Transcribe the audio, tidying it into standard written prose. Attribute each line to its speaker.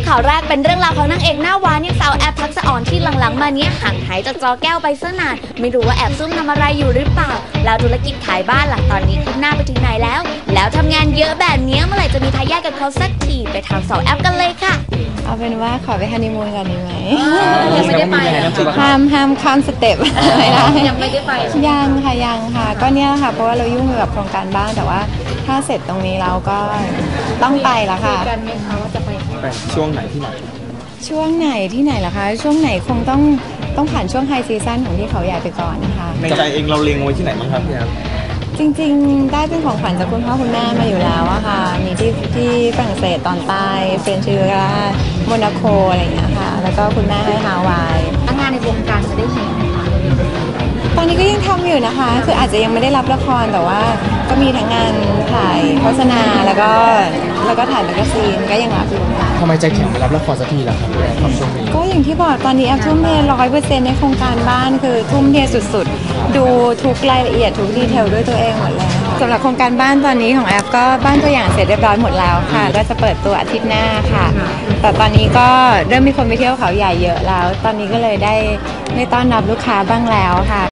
Speaker 1: ข่าวแรกเป็นเรื่องราวของนางเอกหน้าหวานอย่างสาวแอปทักษะอ่อนที่หลังๆมาเนี้ยห่างหายจากจอแก้วไปซะนานไม่รู้ว่าแอบซุ่มทำอะไรอยู่หรือเปล่าแล้วธุรกิจขายบ้านหลังตอนนี้คืบหน้าไปถึงไหนแล้วทำงานเยอะแบบนี้เมื่อไหร่จะมีทายาทกับเขาสักทีไปถามสาวแอปกันเลยค่ะ
Speaker 2: เอาเป็นว่าขอไปฮันนีมูนก่อนดีไหม
Speaker 1: ยังไม่ได้ไป
Speaker 2: ห้ามข้ามสเต็ปไม่ได้
Speaker 1: ยังไม่ได้ไป
Speaker 2: ยังค่ะก็เนี่ยค่ะเพราะว่าเรายุ่งกับโครงการบ้านแต่ว่าถ้าเสร็จตรงนี้เราก็ต้องไปแล้วค่ะ
Speaker 3: กันไหมคะว่าจะไป
Speaker 4: ช่วงไหนที่ไหน
Speaker 2: ช่วงไหนที่ไหนล่ะคะช่วงไหนคงต้องผ่านช่วงไฮซีซั่นของที่เขาใหญ่ไปก่อนนะคะ
Speaker 4: ในใจเองเราเล็งไว้ที่ไหนบ้างครับพี่แอฟ
Speaker 2: จริงๆได้เป็นของขวัญจากคุณพ่อคุณแม่มาอยู่แล้วอะค่ะมีที่ฝรั่งเศสตอนใต้เฟรนช์ริวาโมนาโกอะไรอย่างเงี้ยค่ะแล้วก็คุณแม่ให้ฮาวาย
Speaker 1: งานในวงการจะได้เห็นไหมคะ
Speaker 2: ตอนนี้ก็ยังทำอยู่นะคะคืออาจจะยังไม่ได้รับละครแต่ว่าก็มีทั้งงานถ่ายโฆษณาแล้วก็ถ่ายแมกกาซีนก็ยังรับอยู่
Speaker 4: ทำไมใจแข็งไปรับละครสักทีล่ะครับความช่วงนี้
Speaker 2: ก็อย่างที่บอกตอนนี้แอฟทุ่มเท100%ในโครงการบ้านคือทุ่มเทสุดๆดูทุกรายละเอียดทุกดีเทลด้วยตัวเองหมดเลยสำหรับโครงการบ้านตอนนี้ของแอฟก็บ้านตัวอย่างเสร็จเรียบร้อยหมดแล้วค่ะก็จะเปิดตัวอาทิตย์หน้าค่ะแต่ตอนนี้ก็เริ่มมีคนไปเที่ยวเขาใหญ่เยอะแล้วตอนนี้ก็เลยได้ต้อนรับลูกค้าบ้างแล้วค่ะ